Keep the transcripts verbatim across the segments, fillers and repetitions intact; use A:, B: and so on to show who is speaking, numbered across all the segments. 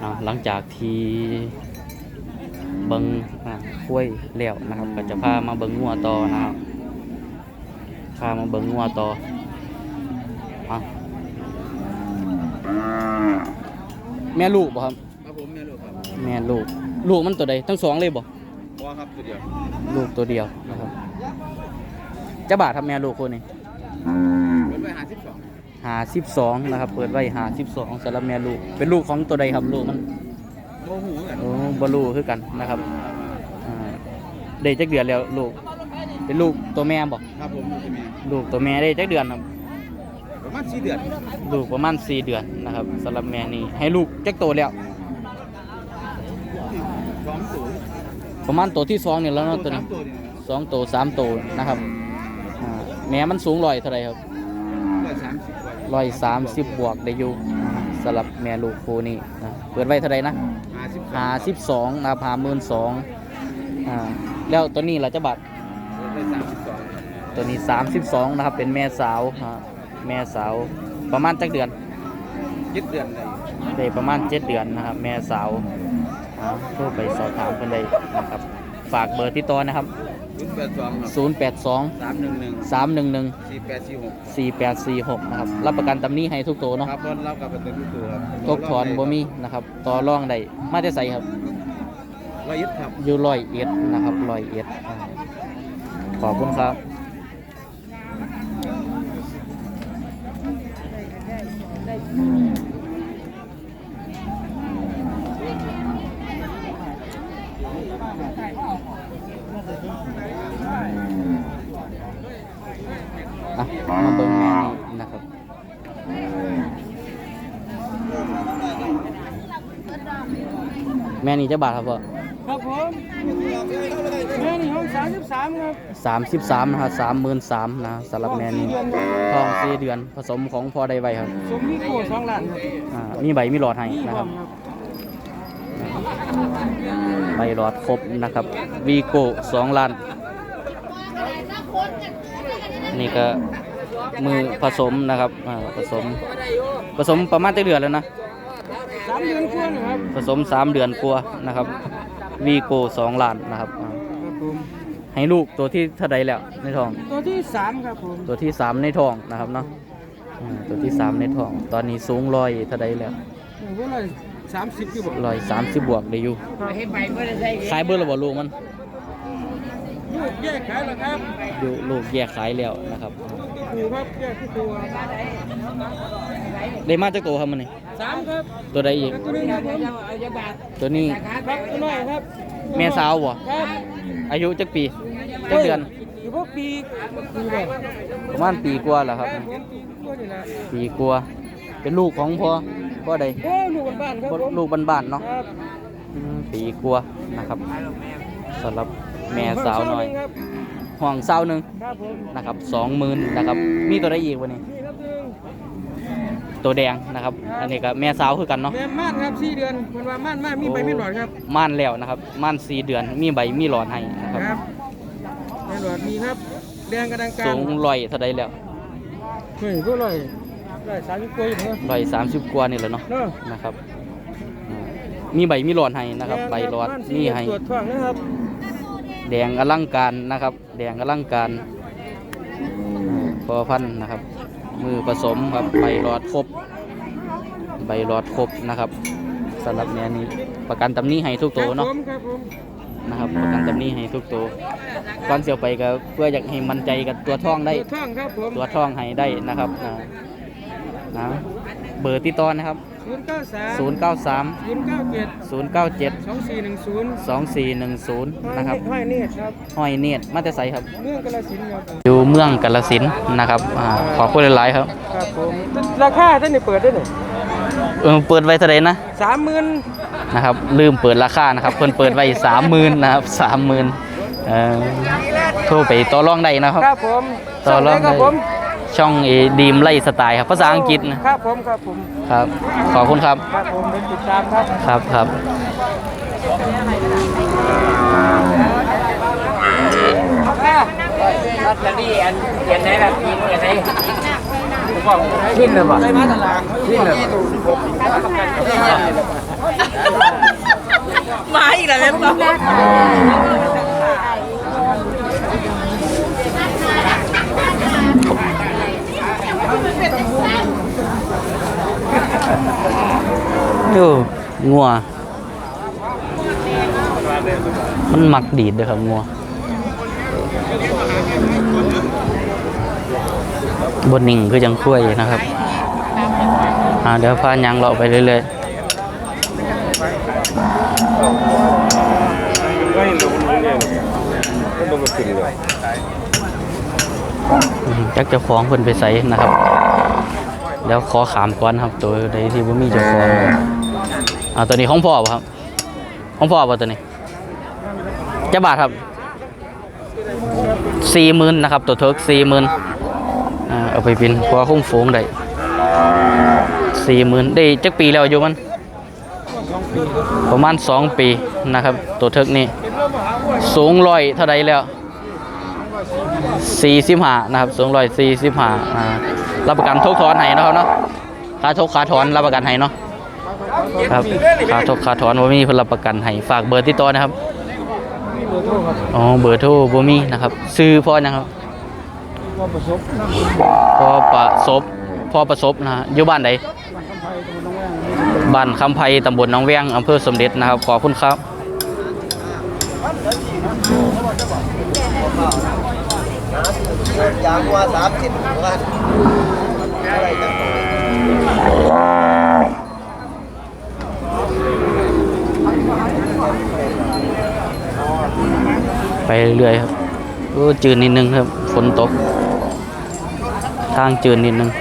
A: หลังจากที่เบิ้งคุ้ยเลี้ยวนะครับก็จะพามาเบิ้งงัวต่อนะครับพามาเบิ้งงัวต่อแม่ลูกบ่ครับ
B: ครับผมแม่ลูกครับ
A: แม่ลูกลูกมันตัวใดทั้งสองเลยบ่
B: บ่ครับตัวเดียว
A: ลูกตัวเดียวนะครับจะบาททำแม่ลูกคนนี้
B: เปิดไว้ห้าสิบสอง
A: หาสิบสองนะครับเปิดไว้หาสิบสองสำหรับแม่ลูกเป็นลูกของตัวใดครับลูกมัน
B: โมหูกัน
A: โอ้บลูคือกันนะครับได้จักเดือนแล้วลูกเป็นลูกตัวแม่บอก
B: ครับผม
A: ลูกตัวแม่ได้จักเดือนครับ
B: ประมาณสี่เดือน
A: ลูกประมาณสี่เดือนนะครับสำหรับแม่นี่ให้ลูกจักโตแล้ว
B: สองตัว
A: ประมาณตัวที่สองเนี่ยแล้วเนาะตัวนี้สองตัวสามตัวนะครับแม่มันสูงร้อยเท่าไรครับร้อยสามสิบบวกได้อยู่สำหรับแม่ลูกคู่นี้นะเปิดไว้เท่าไรนะหาสิบสองนะครับหาหมื่นสองแล้วตัวนี้เราจะบัตรตัวนี้สามสิบสองนะครับเป็นแม่สาวแม่สาวประมาณจักเดือน
B: เจ็ดเดือนเลย
A: ได้ประมาณเจ็ดเดือนนะครับแม่สาวโทรไปสอบถามกันได้นะครับฝากเบอร์ที่ต่อนะครับศูนย์แปดสองสามหนึ่งหนึ่งสามหนึ่งหนึ่งสี่แปดสี่หกสี่แปดสี่หกนะครับรับประกันตำนี้ให้ทุกตัวเนาะ
B: ครับรับกับประกันทุกตัวครับ
A: ตกถอนบ่มีนะครับต่อรองได้มาจะใส่ครับ
B: ร้อยเอ็ดครับ
A: อยู่ร้อยเอ็ดนะครับร้อยเอ็ดขอบคุณครับมาเบิ่งแม่นี่นะครับแม่นี่จะบาทครับพ่อ
C: ครับผมแม่นี่ห้องสามสิบสามครับ
A: สามสิบสามนะครับสามหมื่นสามนะสำหรับแม่นี่ท้องสี่เดือนผสมของพ่อได้ไวครับ
C: สมมีโก้สองล้าน
A: ครับมีใบมีหลอดให้นะครับใบหลอดครบนะครับวีโก้สองล้านนี่ก็มือผสมนะครับผสมผสมประมาณเดือนแล้วนะ
C: สามเดือนกว่าครับ
A: ผสมสามเดือนกว่านะครับวีโก้สองล้านนะครับให้ลูกตัวที่เท่าใดแล้วในท้อง
C: ตัวที่สามครับผม
A: ตัวที่สามในท้องนะครับเนาะตัวที่สามในท้องตอนนี้สูงร้อยเท่าใดแล้ว
C: ร้อยสามสิบอยู่
A: ร้อยสามสิบบวกได้อยู่ขายเบอร์ระบบลูกมัน
C: ลูกแยกขายแล้วครับ
A: อยู่ลูกแยกขายแล้วนะครับ
C: ดูครับแยกที่ตัว
A: ได้มาจากตัวครับมันนี่
C: สามครับ
A: ตัวใดอีกตัวนี้
C: ครับตัวน้อยครับ
A: แม่สาวบ่อายุจักปีจักเดือน
C: อยู่พวกปี
A: ประมาณปีกว่าแหละครับปีกว่าเป็นลูกของพ่อพ่อใด
C: ลูกบ้านครับ
A: ลูกบ้านๆเนาะปีกว่านะครับสำหรับแม่สาวหน่อยห่วงสาวหนึ่งนะครับสองหมื่นนะครับมีตัวใดอีกวันนี้ตัวแดงนะครับอันนี้ก็แม่สาวคือกันเนาะ
C: แม่ม่านครับสี่เดือนมันว่าม่านม่านมีใบมีหลอดครับ
A: ม่านแล้วนะครับม่านสี่เดือนมีใบมีหลอดให้นะครับ
C: ใบหลอดมีครับแดงกระดังกลาง
A: สูงลอยเท่าใดแล้ว
C: เฮ้ยก็ลอยลอยสามสิบกว่าอยู่
A: ลอยสามสิบกว่านี่แหละเนาะนะครับมีใบมีหลอดให้นะครับใบหลอดมีให้
C: ตรวจท้องนะครับ
A: แดงอลังการนะครับแดงอลังการพอพันนะครับมือผสมครับใบหลอดครบใบหลอดครบนะครับสำหรับเนี้ยนี้ประกันตำนี้ให้ทุกตัวเนาะนะครับประกันตำนี้ให้ทุกตัวก่อนเสียวไปก็เพื่ออยากให้มั่นใจกับตัวท่องได้ตัวท่องให้ได้นะครับนะเบอร์ติดต่อนะครับศูนย์เก้าสาม ศูนย์เก้าเจ็ด
C: สองสี่หนึ่งศูนย์
A: สองสี่หนึ่งศูนย์นะครับ
C: ห้อยเนตรครับ
A: ห้อยเนตรมาแต่ไสครับ
C: เมืองกาฬสินธุ์ครับ
A: อยู่เมืองกาฬสินธุ์นะครับขอพูดหลายๆครับ
C: ครับผมราคาท่านนี่เปิดได้ไหน
A: เออเปิดไว้เท่าไหร่นะ
C: สามหมื่น
A: นะครับลืมเปิดราคานะครับเพิ่นเปิดไว้สามหมื่นนะครับสามหมื่นเอ่อโทรไปต่อรองได้นะครับ
C: ครับผม
A: ต่อรองได้ช่องเอดีมไล่สไตล์ครับภาษาอังกฤษนะครับ
C: ผมครับผม
A: ครับขอบคุณครับ
C: ครับผมเป็นติดตามครับ
A: ครับครับ
C: ลอตเตอรี่อันเขียนไหนล่ะทีมเขียนไหน
B: ขึ้นเลยป่ะขึ้นเลย
C: มาอีกแล้วแม่ป๊อ
A: โอ้งัวมันมักดีดเลยครับงัวบนนิ่งคือจังคุ้ยนะครับอ่าเดี๋ยวพายังเราไปเรื่อยๆจักเจ้าของเพิ่นไปใส่นะครับเดี๋ยวขอขามก่อนครับตัวใดที่บ่มีเจ้าของอ่าตัวนี้ของพ่อป่ะครับของพ่อป่ะตัวนี้จะบาทครับสี่หมื่นนะครับตัวเทิร์กสี่หมื่นอ่าเอาไปเป็นพอคงโฟงได้สี่หมื่นได้จักปีแล้วอยู่มันประมาณสองปีนะครับตัวเทิร์กนี่สูงร้อยเท่าไรแล้วสี่สิบห้านะครับสูงร้อยสี่สิบห้าอ่ารับประกันทุกถอนให้นะครับเนาะค่าทุกค่าถอนรับประกันให้เนาะครับค่าทุกค่าถอนบ่มีเพิ่นรับประกันให้ฝากเบอร์ติดต่อนะครับอ๋อเบอร์โทรบ่มีนะครับซื้อพ่อนะครับพ่อประสบพ่อประสบนะฮะอยู่บ้านใดบ้านคำไพตำบลหนองแวงอำเภอสมเด็จนะครับขอบคุณครับ
B: ยางว่าสามสิบวัน
A: ไปเรื่อยครับโอ้จืดนิดนึงครับฝนตกทางจืดนิดนึง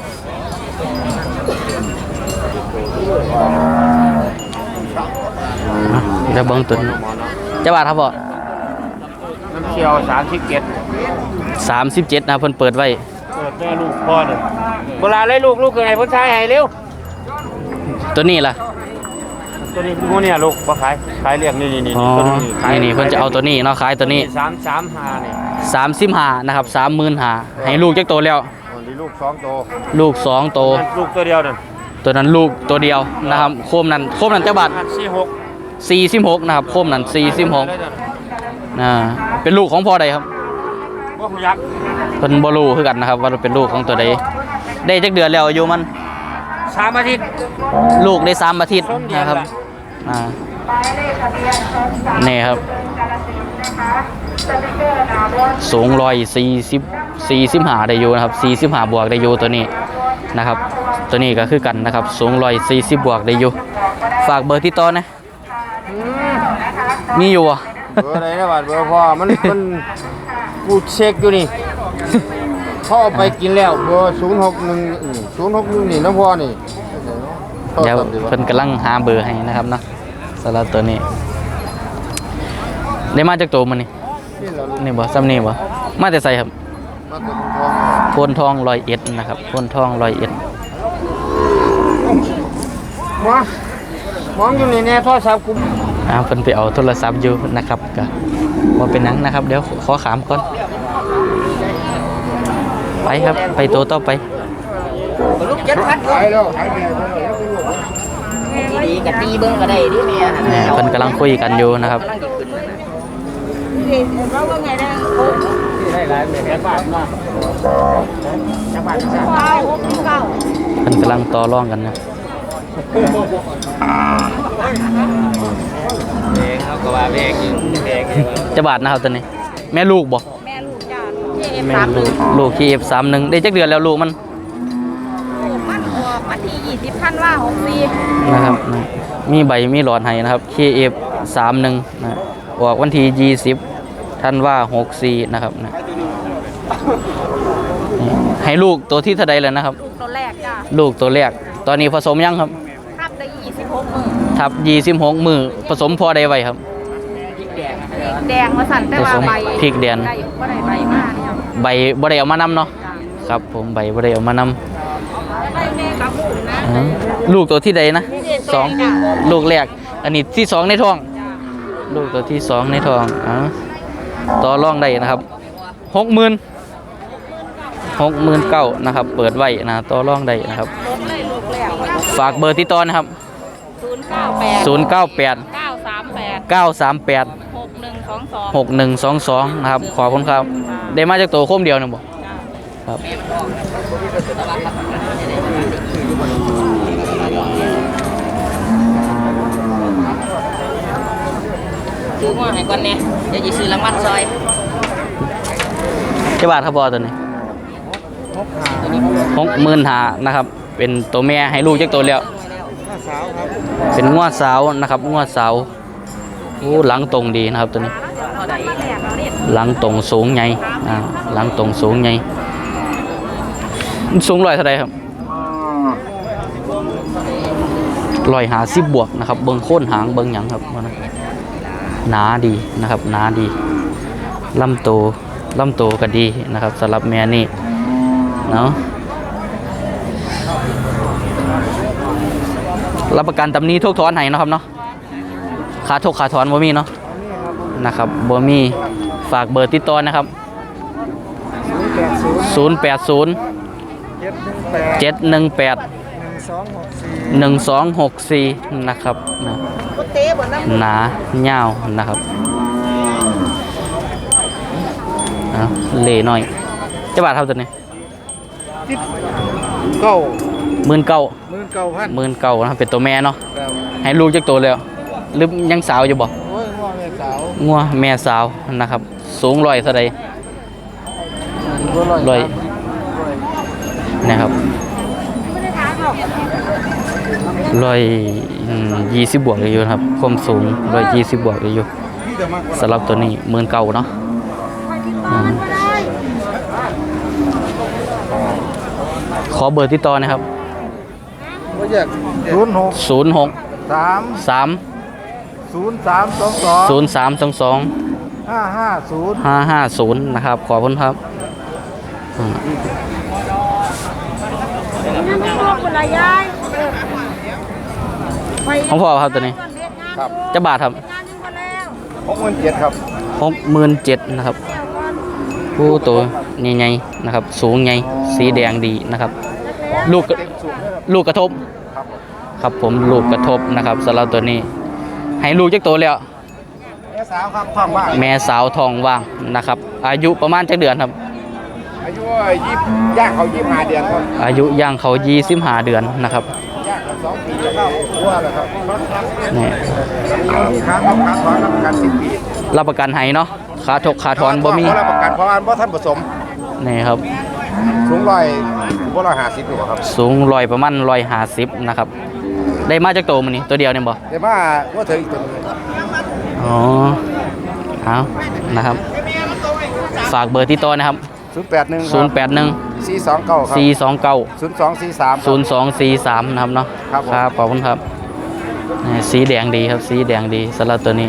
A: จะเบิ้งตุนจะบาทครับบ่
B: น้ำเชียวสามสิบเจ็ด
A: สามสิบเจ็ดนะเพิ่นเปิดไว้
B: เปิดแม่ลูกพ่อหนึ่งเวลาเลยลูกลูกคือไงพ้นชายให้เร็ว
A: ตัวนี้ล่ะ
B: ตัวนี้พวกเนี่ยลูกมาขายขายเรียกนี่นี่นี่
A: อ๋อ
B: ตัวนี้ขาย
A: นี่นี่เพิ่นจะเอาตัวนี้เนาะขายตัวนี้
B: สามสามห้าเนี่ย
A: สามสิบห้านะครับสามหมื่นห้าให้ลูกจักโตแล้ว
B: วันนี้ลูกสองโต
A: ลูกสองโต
B: ลูกตัวเดียวนั่น
A: ตัวนั้นลูกตัวเดียวนะครับโคมนั้นโคมนั้นจักบาท
B: สี่หก
A: สี่สิบหกนะครับโคมนั้นสี่สิบหกอ่าเป็นลูกของพ่อใดครับ
B: ว่าคุณยักษ์
A: เพิ่นบ่รู้คือกันนะครับว่าเป็นลูกของตัวใดได้จักเดือนแล้วอายุมัน
B: สามอาทิตย์
A: ลูกได้สามอาทิตย์นะครับอ่านี่ครับสูงร้อยสี่สิบสี่สิบห้าได้อยู่นะครับสี่สิบห้าบวกได้อยู่ตัวนี้นะครับตัวนี้ก็คือกันนะครับสูงร้อยสี่สิบบวกได้อยู่ฝากเบอร์ที่ต่อนะมีอยู่อ่ะ
B: เบอร์อะไรนะบาทเบอร์พ่อมันมันกูเช็คอยู่นี่พ่อเอาไปกินแล้วเบอร์ศูนย์หกหนึ่งศูนย์หกหนึ่งนี่น้องพ่อนี่
A: เดี๋ยวเพิ่นกำลังหาเบอร์ให้นะครับเนาะสำหรับตัวนี้ได้มาจากตัวมันนี่นี่บ่ซ้ำนี่บ่มาแต่ใส่ครับ
B: มาตัวทอง
A: โพนทองร้อยเอ็ดนะครับโพนทองร้อยเอ็ด
B: มามองอยู่ในแน่โทรศัพท์กู
A: อ่าเพิ่นไปเอาโทรศัพท์อยู่นะครับก็บ่เป็นหยังนะครับเดี๋ยวขอขามก่อนไปครับไปตัวต่อไป
C: ลูกเจ็ดพัน
B: หายแล้วหายไป
C: ดีกับตีเบิ้งก็ได้ดิแม่
A: เนี่ยเพิ่นกำลังคุยกันอยู่นะครับ
C: เราว่าไงได้
B: ได้หลายแม่บ้านมาจังหวัด
C: ว้าวเก้า
A: เพิ่นกำลังต่อรองกันนะ
B: เองเขาก็ว่าเองอยู่เอง
A: จะบาทนะครับตัวนี้ แม่ลูกบ่
C: แม่ลูกจ้าที่เอฟ
A: แม่
C: สาม
A: ลูกลูกที่ เอฟ สามสิบเอ็ดได้จักเดือนแล้วลูกมัน
C: มันออกวันที่ยี่สิบพันว่าหกสี่
A: นะครับนะมีใบมีหลอดให้นะครับ เค เอฟ สามสิบเอ็ดนะออกวันที่ยี่สิบธันวาหกสี่นะครับนะนี่ให้ลูกตัวที่เท่าใดแล้วนะครับ
C: ลูกตัวแรกจ้า
A: ลูกตัวแรกตอนนี้ผสมยังครับ
C: ทับได้ยี่สิบหกมือ
A: ทับยี่สิบหกมือผสมพอได้ไว้ครับ
C: แดงมาสั่นแต่ว่าใบ
A: พริกแดง
C: ได้ก็ได้ใบมากเนี่ย
A: ใบบ่ได้เอามานำเนาะครับผมใบบ่ได้เอามานำ
C: ได้แม่กับลูกนะ
A: อ๋อลูกตัวที่ใดนะสองลูกแรกอันนี้ที่สองในท้อง ลูกตัวที่สองในท้องอ๋อต่อรองได้นะครับหกหมื่นหกหมื่นเก้านะครับเปิดไว้นะต่อรองได้นะครับฝากเบอร์ติดต่อนะครับ
D: ศูนย์เก้าแปด
A: ศูนย์เก้าแปด
D: เก้าสามแปด
A: เก้าสามแปด
D: หกหนึ่งสองสอง
A: หกหนึ่งสองสองนะครับขอบคุณครับได้มาจากตัวโคมเดียวนะบ่ครับ
D: ซื้อมาให้ก่อนเนี่ยเดี๋ยวจะซื้อรางวัลซอย
A: เจ้าบาทครับบอตัวนี้หกหมื่นหานะครับเป็นตัวแม่ให้ลูกจากตัวแล้วเป็นงวดสาวนะครับงวดสาวโอ้หลังตรงดีนะครับตัวนี้หลังตรงสูงใหญ่อ่าหลังตรงสูงใหญ่สูงร้อยเท่าไรครับร้อยหาสิบบวกนะครับเบิ้งโค่นหางเบิ้งหยังครับหนาดีนะครับหนาดีลำโตลำโตก็ดีนะครับสำหรับแม่นี่เนาะรับประกันตำหนี้ทุกถอนให้นะครับเนาะขาทุกขาถอนบ่มีเนาะนะครับบ่มีฝากเบอร์ติดต่อนะครับศูนย์แปดศูนย์ เจ็ดหนึ่งแปด หนึ่งสองหกสี่นะครับนะหนาเงาวนะครับเอาเล่หน่อยเจ้าบาทเท่าตัวนี้
B: เก้า
A: หมื่นเก้า
B: หมื่นเก้าพัน
A: หมื่นเก้านะครับเป็นตัวแม่เนาะ
B: ครับ
A: ให้ลูกจากตัวแล้วหรือยังสาวอยู่บ่
B: โอ้ยง้อแม่สาว
A: งัวแม่สาวนะครับสูงร้อยเท่าใด
B: ร้อย
A: ร้อยนะครับร้อยยี่สิบบวกเลยอยู่ครับความสูงร้อยยี่สิบบวกเลยอยู่สำหรับตัวนี้หมื่นเก้าเนาะอืมขอเบอร์ติดต่อนะครับ
B: ศูนย์หก
A: ศูนย์หก
B: สาม
A: สาม
B: ศูนย์สามสองสอง
A: ศูนย์สามสองสอง
B: ห้าห้าศูนย์
A: ห้าห้าศูนย์นะครับขอบคุณครับอืมของพ่อครับตัวนี้
B: ครับ
A: จะบาทครับ
B: หกหมื่นเจ็ดครับ
A: หกหมื่นเจ็ดนะครับผู้ตัวใหญ่ๆนะครับ สูงใหญ่สีแดงดีนะครับ ลูกกระลูกกระทบ
B: ครับ
A: ครับผมลูกกระทบนะครับสำหรับตัวนี้ ให้ลูกจักโตแล้ว
B: แม่สาวครับท้องว่าง
A: แม่สาวทองว่างนะครับ อายุประมาณจักเดือนครับ
B: อายุยี่สิบย่างเขายี่สิบห้าเดือนครับ
A: อายุย่างเขายี่สิบห้าเดือนนะครับ
B: ย่างเขาสองปีแล้วครับว่าแล้วครับ
A: นี่
B: มีค้างครับค้างถอนรับประกันสิบปี
A: รับประกันให้เนาะขาถกขาถอนบ่มี
B: เพราะรับประกันเพราะอันเพราะท่านผสม
A: นี่ครับ
B: สูงร้อยสูงร้อยห้าสิบอยู่ครับ
A: สูงร้อยประมาณร้อยห้าสิบนะครับ ได้มาจากโตมันนี่ตัวเดียวเนี่ยบ่
B: เดี๋ยวมาว่าเธออีกตัวหนึง
A: อ๋อเอานะครับ ฝากเบอร์ที่ต่อนะครับ
B: ศูนย์แปดหนึ่ง
A: ศูนย์แปดหนึ่ง
B: สี่สองเก้าครับ
A: สี่สองเก้า
B: ศูนย์สองสี่สาม
A: ศูนย์สองสี่สามนะครับเนาะ
B: ครับผม
A: ขอบคุณครับนี่สีแดงดีครับสีแดงดีสำหรับตัวนี้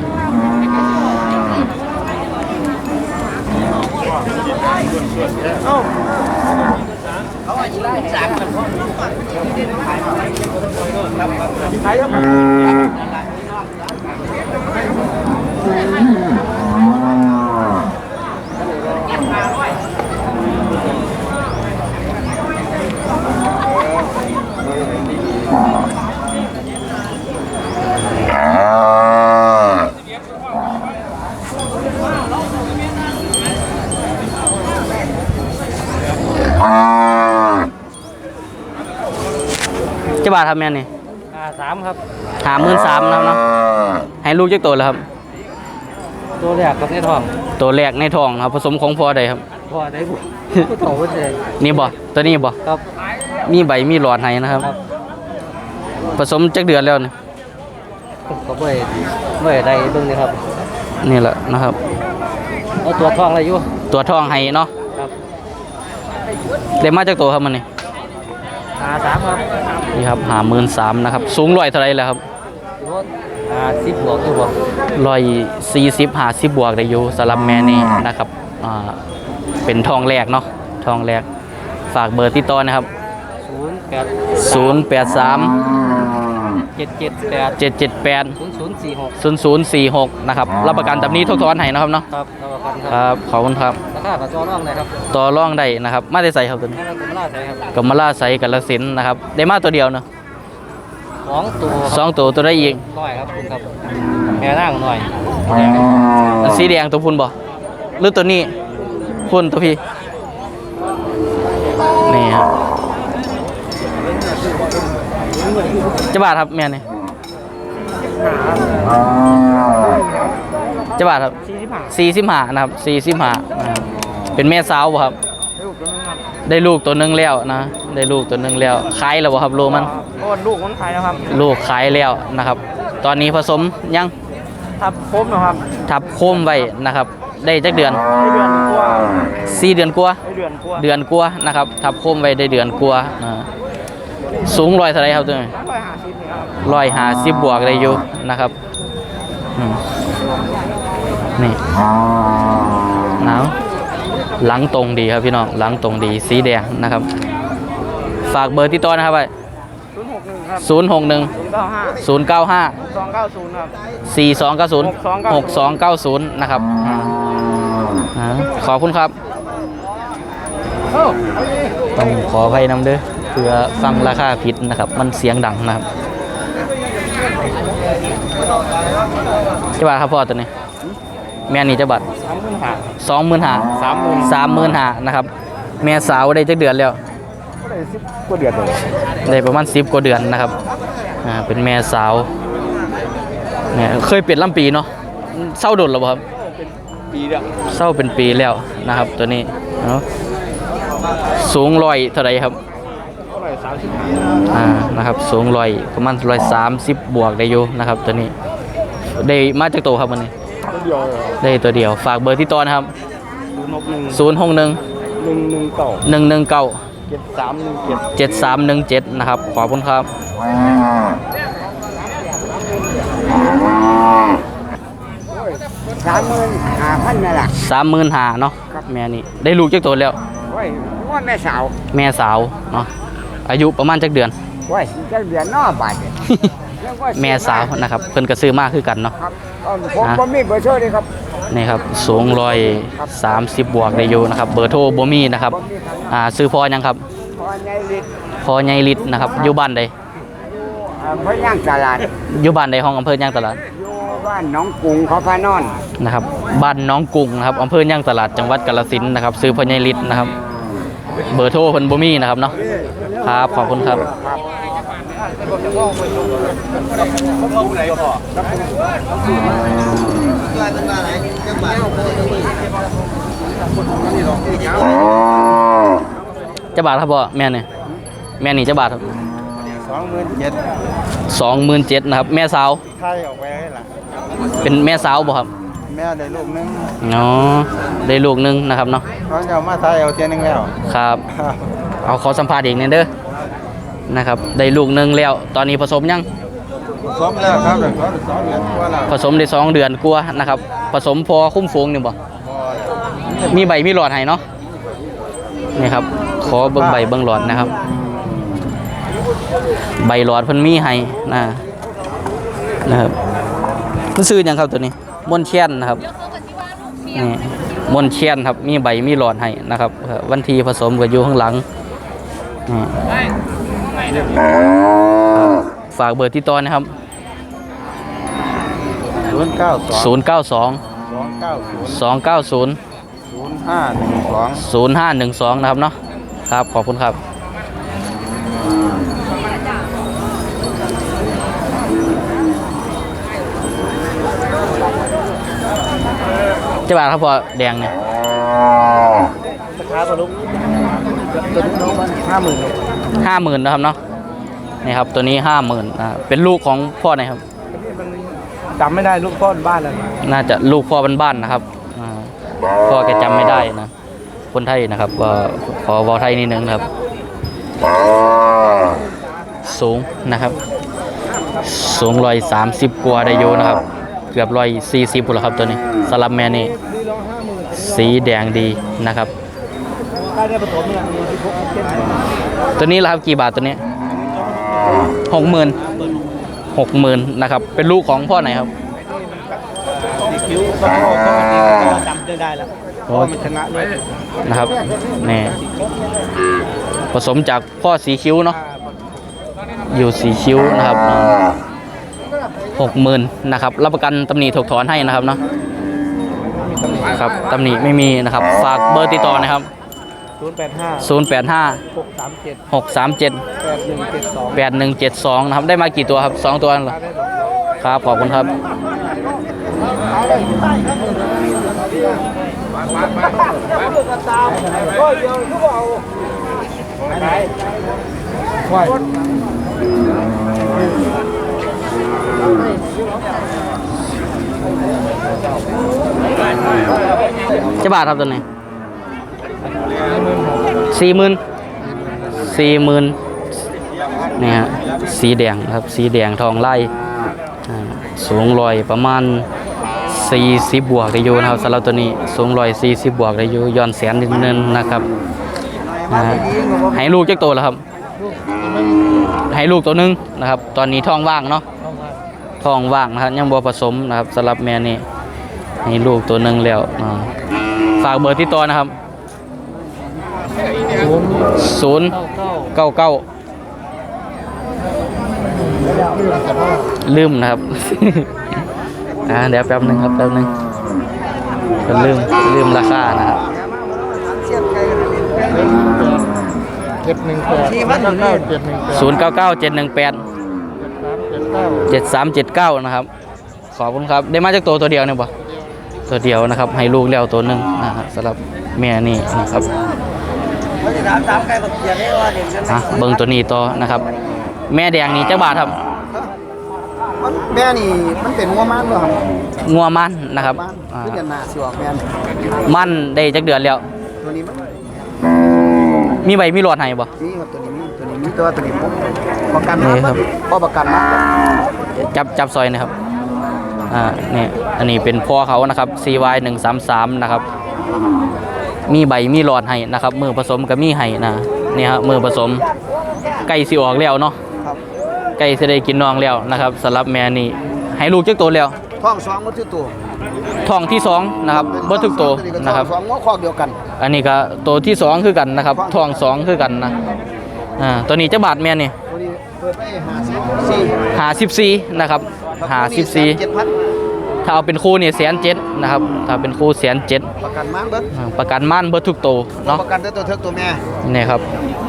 A: เจ้าบาททำแม่นี่
C: อ่าสามครับ
A: หาหมื่นสามนะครับเนาะให้ลูกจักตัวแล้วครับ
C: ตัวแรกครับในท้อง
A: ตัวแรกในท้องครับผสมของพ่อใดครับ
C: พอได้บุผู้โตผู้เด็ก
A: นี่บ่ตัวนี้บ่
C: ครับ
A: มีใบมีหลอดให้นะครับ
C: ครับ
A: ผสมจักเดือนแล้วนี่
C: ก็ไม่ไม่ได้เบิ่งนี่ครับ
A: นี่แหละนะครับ
C: เอาตัวท้องอะไรอยู่
A: ตัวท้องให้เนาะ
C: ครับ
A: ได้มาจากตัวครับมันนี่
C: อ่าสามครับ
A: นี่ครับหาหมื่นสามนะครับสูงร้อยเท่าไรแล้วครับ
C: รถอ่าสิบบวกอยู่บ่
A: ร้อยสี่สิบหาสิบบวกได้อยู่สำหรับแม่นี่นะครับอ่าเป็นทองแรกเนาะทองแรกฝากเบอร์ติดต่อนะครับ
C: ศูนย์แปด
A: ศูนย์แปดสามจ็ดเจ็ดแปดเจ็ดเจ็ดแปด
C: ศูนย์ศูนย์สี่หก
A: ศูนย์ศูนย์สี่หกนะครับรับประกันแบบนี้ทุกทอนให้นะครับเนาะ
C: ครับรับประกันค
A: ครับ รับขอบคุณครับ
C: ราคากับจอร่องเลยครับ
A: ต่อร่องได้นะครับมาได้ใส่ครับตัวนี้
C: ให้เราเป็นล่าใช่ครับ
A: กับมาล่าใส่กับละสินนะครับได้มาตัวเดียวเนาะ
C: สองตัว
A: สองตัวตัวได้อีก
C: น้อยครับคุณครับแม่นั่งหน่อย
A: สีแดงตัวพุ่นบ่หรือตัวนี้พุ่นตัวพี่นี่ครับจะบาทครับแม่นี่จะบาทครับ
C: สี่สิบห้า
A: สี่สิบห้านะครับสี่สิบห้านะครับเป็นแม่สาวบ่ครับ ได้ลูกตัวหนึงแล้วนะ ได้ลูกตัวหนึงแล้วขายแล้วบ่ครับโลมัน
C: โอ้ลูกคนไทยนะครับ
A: ลูกขายแล้วนะครับ ตอนนี้ผสมยัง
C: ทับครบนะครับ
A: ทับโคมไว้นะครับ ได้จักเดือน
C: ได้เดือนกว่า
A: สี่เดือนกว่า
C: ได้เดือนกว่า
A: เดือนกว่านะครับ ทับโคมไว้ได้เดือนกว่าอ่าสูงร้อยเท่าไหรครับตัวนี้
C: ร้อยห้าสิบครับ
A: ร้อยห้าสิบบวกได้อยู่นะครับอืมนี่หนาวหลังตรงดีครับพี่น้องหลังตรงดีสีแดงนะครับ ฝากเบอร์ที่ต่อนะครับไป
C: ศูนย์หกหนึ่งครับ
A: ศูนย์หกหนึ่ง
C: ศูนย์เก้าห้า
A: ศูนย์เก้าห้า
C: สองเก้าศูนย์ครับ
A: สี่สองเก้าศูนย์
C: ห
A: ห
C: ก
A: ก
C: ส
A: ส
C: อ
A: อง ง
C: เก้า
A: เก้าศูนย์นะครับอ่าอ่าขอบคุณครับ ต้องขออภัยนำเด้อเพื่อฟังราคาผิดนะครับ มันเสียงดังนะครับจะบาทครับพ่อตัวนี้ แม่นี่จะบาท
C: สามหมื่นห้า
A: สองหมื่นห้า
C: สามหมื่น
A: สามหมื่นห้านะครับ แม่สาวได้จักเดือนแล้ว
C: ก็ได้สิบกว่าเดือนเลย
A: ได้ประมาณสิบกว่าเดือนนะครับอ่าเป็นแม่สาวเนี่ยเคยเปลี่ยนลำปีเนาะเศร้าโดนหรือเปล่าครับ
C: ปีเดียว
A: เศร้าเป็นปีแล้วนะครับ ตัวนี้เนาะสูงร้อยเท่าไหรครับ
C: ก็ได้สามสิบห้า
A: อ่านะครับสูงร้อยประมาณร้อยสามสิบบวกได้อยู่นะครับ ตัวนี้ได้มาจากตัวครับวันนี้
C: เดียวเลย
A: ได้ตัวเดียวฝากเบอร์ที่ต่อนะครับ
C: ศูนย์หกหนึ่ง
A: ศูนย์หกหนึ่ง
C: หนึ่งหนึ่งเก้า
A: หนึ่งหนึ่งเก้า
C: เจ็ดสามหนึ่งเจ็ด
A: เจ็ดสามหนึ่งเจ็ดนะครับขอบคุณครับ
C: สามหมื่นห้าพันนี่แหละ
A: สามหมื่นหาเนาะแม่นี่ได้ลูกจากตัวแล้ว
C: โอ้ยว่าแม่สาว
A: แม่สาวเนาะอายุประมาณจักเดือน
C: โอ้ยจะเดือนนอบาทเนี่ย
A: แม่สาวนะครับเพิ่นก็ซื้อมากคือกันเนาะ
C: ครับผมผมมีเบอร์โทรเลยครับ
A: นี่ครับสูงร้อยสามสิบบวกได้อยู่นะครับเบอร์โทรบ่มีนะครับอ่าซื้อพอยังครับ
C: พอใหญ่ลิตร
A: พอใหญ่ลิตรนะครับอยู่บ้านใด
C: พระย่างตลาด
A: อยู่บ้านใดห้องอำเภอย่างตลาด
C: อยู่บ้านหน้องกรุงเขาพานอน
A: นะครับบ้านน้องกุ้งนะครับอำเภอย่างตลาดจังหวัดกาฬสินธุ์นะครับซื้อพอใหญ่ลิตรนะครับเบอร์โทรเพิ่นบ่มีนะครับเนาะครับขอบคุณครับจะบาทครับพ่อแม่นี่แม่นี่จะบาทครับ
C: สองหมื่นเจ็ด
A: สองหมื่นเจ็ดนะครับแม่สาว
C: ไทยออกไปให้ละ
A: เป็นแม่สาวบ่ครับ
C: แม่ได้ลูกนึง
A: อ๋อได้ลูกหนึงนะครับเนาะ
C: เขาจะเอามาไทยเอาเทียนึงแล้ว
A: ครับเอาขอสัมภาษณ์อีกนิดเด้อนะครับได้ลูกหนึงแล้วตอนนี้ผสมยัง
C: สมแล้วครับเดี๋ยวสองเดือนกว่าแล้ว
A: ผสมได้สองเดือนกว่านะครับผสมพอคุ้มฟูงนี่บ่มีใบมีหลอดให้เนาะนี่ครับขอเบิ่งใบเบิ่งหลอดนะครับ ใบหลอดเพิ่นมีให้นะนะครับมันซื้อหยังครับตัวนี้ม่วนเชียนนะครับนี่ม่วนเชียนครับมีใบมีหลอดให้นะครับเอ่อวันที่ผสมก็อยู่ข้างหลังนี่ฝากเบอร์ที่ต่อนะครับ
C: ศูนย์เก้าสอง
A: ศูนย์เก้าสอง
C: สองเก้าศูนย์
A: สองเก้าศูนย์
C: ศูนย์ห้าหนึ่งสอง
A: ศูนย์ห้าหนึ่งสองนะครับเนาะครับขอบคุณครับเจ้าบ่าวครับพอแดงเนี่ย
C: ราคาตัวลูกตัวลูกน้องมันห้าหมื่น
A: ห้าหมื่นนะครับเนาะนี่ครับตัวนี้ห้าหมื่นอ่าเป็นลูกของพ่อไหนครับ
C: จำไม่ได้ลูกพ่อบ้านเลย
A: น่าจะลูกพ่อบ้านๆนะครับอ่าพ่อแกจำไม่ได้นะคนไทยนะครับว่าขอวอไทยนิดนึงนะครับ สูงนะครับสูงร้อยสามสิบกว่าได้อยู่นะครับเกือบร้อยสี่สิบพุ่นละครับตัวนี้สลับแม่นี่สีแดงดีนะครับ
C: ได้ได้ผสมอย่างนี้ที่พวกเจ็ด
A: ตัวนี้ละครับกี่บาทตัวนี้หกหมื่นหกหมื่นนะครับเป็นลูกของพ่อไหนครับ
C: สีคิ้วก็พ่อก็ดีก็จำได้แล้วเพราะมันชนะเลย
A: นะครับนี่ผสมจากพ่อสีคิ้วเนาะอยู่สีคิ้วนะครับหกหมื่นนะครับรับประกันตำหนิถูกถอนให้นะครับเนาะครับตำหนิไม่มีนะครับฝากเบอร์ติดต่อนะครับ
C: ศูนย์แปดห้า
A: ศูนย์ แปด ห้า
C: หกสามเจ็ด
A: หก สาม เจ็ด
C: แปดหนึ่งเจ็ดสอง
A: แปดหนึ่งเจ็ดสองนะครับได้มากี่ตัวครับสองตัวเหรอครับขอบคุณครับเจ้าบาทครับตัวนี้สี่หมื่นสี่หมื่นนี่ฮะสีแดงครับสีแดงทองไล่สูงลอยประมาณสี่สิบบวกได้อยู่นะครับสำหรับตัวนี้สูงลอยสี่สิบบวกได้อยู่ย้อนแสนนิดนึงนะครับให้ลูกจักตัวแล้วครับให้ลูกตัวนึงนะครับตอนนี้ท้องว่างเนาะท้องว่างนะครับยังบ่ผสมนะครับสำหรับแม่นี่ให้ลูกตัวนึงแล้วฝากเบอร์ที่ตัวนะครับศูนย์เก้าเก้าลืมนะครับ อ่าเดี๋ยวแป๊บนึงครับแป๊บนึงก็ลืมลืมราคานะครับ
C: เจ็ดหนึ่งแปดเจ็ดหนึ่งแปด
A: ศูนย์เก้าเก้าเจ็ดหนึ่งแปดเจ็ดสามเจ็ดเก้านะครับขอบคุณครับได้มาจากตัวตัวเดียวเนี่ยป่ะตัวเดียวนะครับให้ลูกแล้วตัวหนึ่งนะครับสำหรับแม่นี่นะครับอ่ะเบิ้งตัวนี้ต่อนะครับ แม่แดงนี่เจ้าบาทครับ
C: แม่นี่มันเป็นงัวมันเหรอครับ
A: งัวมันนะครับอ่า
C: ขึ้นกันหนาสิวแม่
A: มันได้จักเดือนแล้ว
C: ตัวนี้มัน
A: มีใบมีหลอดให้บ่
C: นี่ครับตัวนี้มีตัวนี้มีตัวตัวนี้ผมประกัน
A: นี่ครับ
C: พ่อประกันนะ
A: จับจับซอยนะครับอ่านี่อันนี้เป็นพ่อเขานะครับ ซี วาย หนึ่งสามสามนะครับมีใบมีหลอดให้นะครับมือผสมกับมีให้นะนี่ฮะมือผสมไก่สิออกแล้วเนาะ
C: ครับ
A: ไก่สิได้กินน้องแล้วนะครับสำหรับแม่นี่ให้ลูกจักตัวแล้ว
C: ท้องสองมันคือตัว
A: ท้องที่สองนะครับบ่ทุกตัวนะครับ
C: สองงัวคอกเดียวกัน
A: อันนี้ก็ตัวที่สองคือกันนะครับท้องสองคือกันนะอ่าตัวนี้จะบาทแม่นี่
C: ตัวนี้เปิดไปหาสิบสี่
A: หาสิบสี่นะครับหาสิบสี่
C: เจ็ดพัน
A: ถ้าเอาเป็นคู่นี่แสนเจ็ดนะครับถ้าเป็นคู่แสนเจ็ด
C: ประกันมันเบิด
A: ประกันม่านเบิดทุกตัวเนาะ
C: ประกันแต่ตัวเทิกตัวแม่
A: นี่ครับ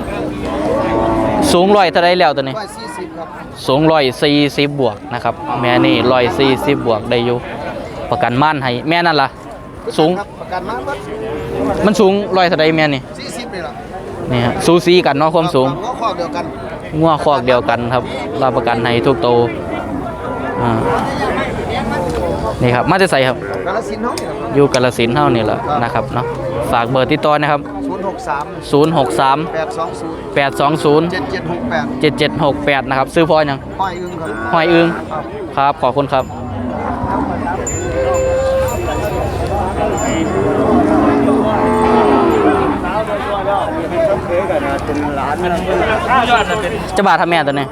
A: สูงร้อยเท่าไรแล้วตัวนี้
C: ร้อยสี่สิบครับ
A: สูงร้อยสี่สิบบวกนะครับแม่นี่ร้อยสี่สิบบวกได้อยู่ประกันม่านให้แม่นั่นล่ะสูง
C: ครับประกันมันเบิด
A: มันสูงร้อยเท่าไรแม่นี่
C: สี่สิบเลยล่ะ
A: นี่ฮะสูสีกันเนาะความสูง
C: งัวคอกเดียวกัน
A: งัวคอกเดียวกันครับรับประกันให้ทุกตัวอ่านี่ครับมาจะใส่ครับ
C: กาลสินธุ์เนาะ
A: อยู่กาฬสินธุ์เท่านี่แหละนะครับเนาะฝากเบอร์ติดต่อนะครับ
C: ศูนย์หกสาม
A: ศูนย์ หก สาม
C: แปดสองศูนย์
A: แปด สอง ศูนย์
C: เจ็ดเจ็ดหกแปด
A: เจ็ด เจ็ด หก แปดนะครับซื้อพ่อยัง
C: ห้อยอึ้งครับ
A: ห้อยอึงครับขอบคุณครับจะบาททำแม่ตัวนี้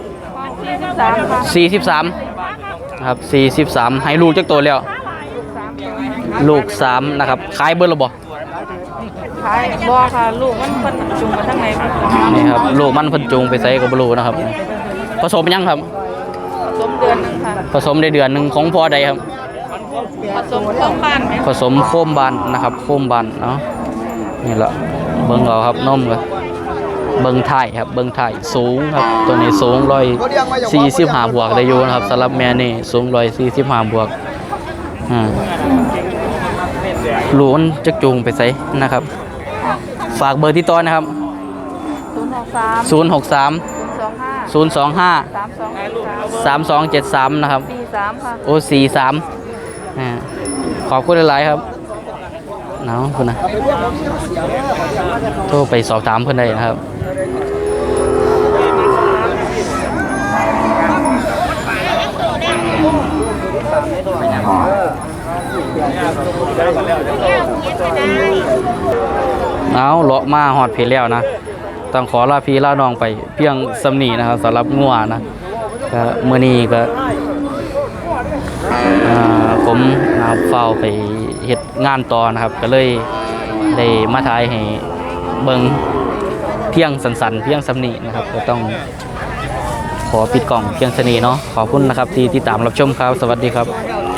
A: สี่สิบสามครับสี่สิบสามให้ลูกจักตัวแล้วลูกสามนะครับขายเบอร์ระบบ
E: ขายบ่ค่ะลูกมันเพิ่นจุงมาทางไหนบ่
A: นี่ครับลูกมันเพันจูงไปใส่กับบลูนะครับผสมยังครับ
E: สมเดือนหนึงค่ะ
A: ผสมได้เดือนหนึ่งของพ่อใดครับ
E: ผสมเครื่องบ้านไหม
A: ผสมโคมบานนะครับโคมบานเนาะนี่แหละเบิ้งเอาครับนมกันเบิ้งไทยครับเบิ้งไทยสูงครับตัวนี้สูงร้อยสี่สิบห้าบวกได้อยู่นะครับสำหรับแม่นี่สูงร้อยสี่สิบห้าบวกอ่าลูกมันจะจูงไปใส่นะครับฝากเบอร์ที่ต้อนนะครับ
E: ศูนย์หกสาม
A: ศูนย์ หก สาม
E: ศูนย์สองห้า
A: ศูนย์ สอง ห้า
E: สามสอง
A: สามสองเจ็ดสามนะครับ
E: สี่สามค่ะ
A: โอสี่สามอ่าขอบคุณหลายๆครับเนาะคุณนะโทรไปสอบถามเพื่อนได้นะครับเอาเลาะมาหอดเพลแล้วนะต้องขอลาพี่ลาน้องไปเพียงสำนีนะครับสำหรับงัวนะก็เมื่อนี้ก็อ่าผมนาเฝ้าไปเฮ็ดงานต่อนะครับก็เลยได้มาถ่ายให้เบิ่งเพียงสันๆเพียงสำนีนะครับก็ต้องขอปิดกล่องเพียงสนีเนาะขอบคุณนะครับที่ติดตามรับชมครับสวัสดีครับ